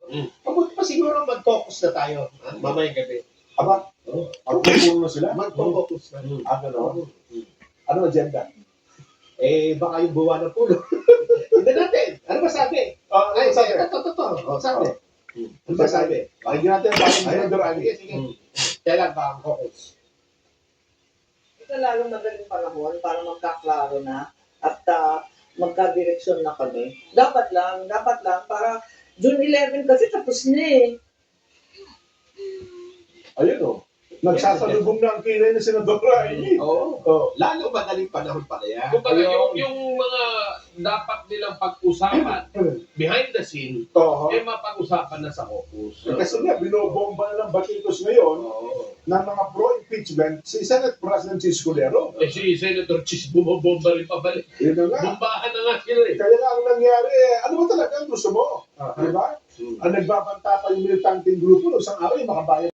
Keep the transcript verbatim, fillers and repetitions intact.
Mm. Mabuti pa siguro mag-focus na tayo, ha? Mamayang gabi. Aba, Oh. magpupuro na sila? Mag-focus na. Mm. Ah, gano'n? Mm. Ano agenda? Eh, baka yung buwan na pulo. Hindi natin. Ano ba sabi? Ah, ano Ay, sabi? ito, ito, ito. Oh, sabi. Hmm. Ano ba sabi? Pakinggan natin ang bagong Ayun, Senador Ali. sige, sige. Hmm. Kailan ba ang focus? Ito lalong madaling panahon para magkaklaro na at uh, magkadireksyon na kami. Dapat lang, dapat lang para June eleven kasi tapos na eh. Ayun o. Nagsasalubong na ang kilay ni Senador Ali. Oo. Oh. Lalo madaling panahon pala yan. Kumbaga, yung, Ayun. yung mga dapat nilang pag-usapan behind the scene, Oo. eh mapag-usapan na sa caucus. Eh, kasi nga, binobomba na ng Batikos ngayon Oo. ng mga pro-impeachment si Senate President Escudero. Eh si Senator Chis bumabomba rin pabalik. Yun na nga. Bombahan na nga sila eh. Kaya nga ang nangyari, eh, ano ba talaga ang gusto mo? Aha. Di ba? Hmm. Ang nagbabanta pa yung militanteng grupo, no, isang araw yung makabayan